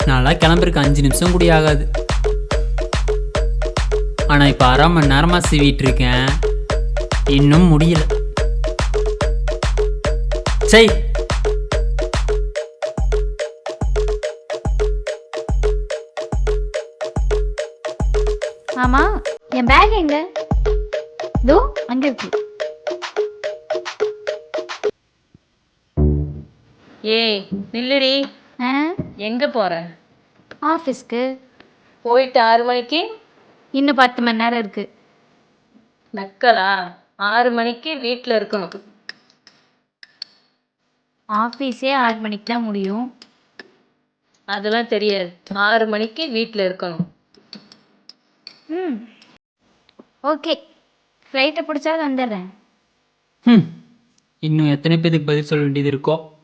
நான்லாம் கிளம்புறதுக்கு 5 நிமிஷம் கூட ஆகாது. ஆனால் இப்போ 1/2 மணி நேரமாக சீவிட்டு இருக்கேன், இன்னும் முடியல. சரி, ஆமா, என் பேக் எங்க? தோ அங்க இருக்கு. ஏய் நில்லுடி, ஆ, எங்க போற? ஆஃபீஸ்க்கு. போயிட்டு 6 மணிக்கு இன்னும் 10 மணி நேரம் இருக்கு. நக்கலா? 6 மணிக்கு வீட்டில் இருக்கணும். ஆஃபீஸே 6 மணிக்கு தான் முடியும். அதெல்லாம் தெரியாது. 6 மணிக்கு வீட்டில் இருக்கணும். ம், ஓகே. ஃப்ளைட்டை பிடிச்சாவது வந்துடுறேன். இன்னும் எத்தனை பேருக்கு பதில் சொல்ல வேண்டியது இருக்கோ?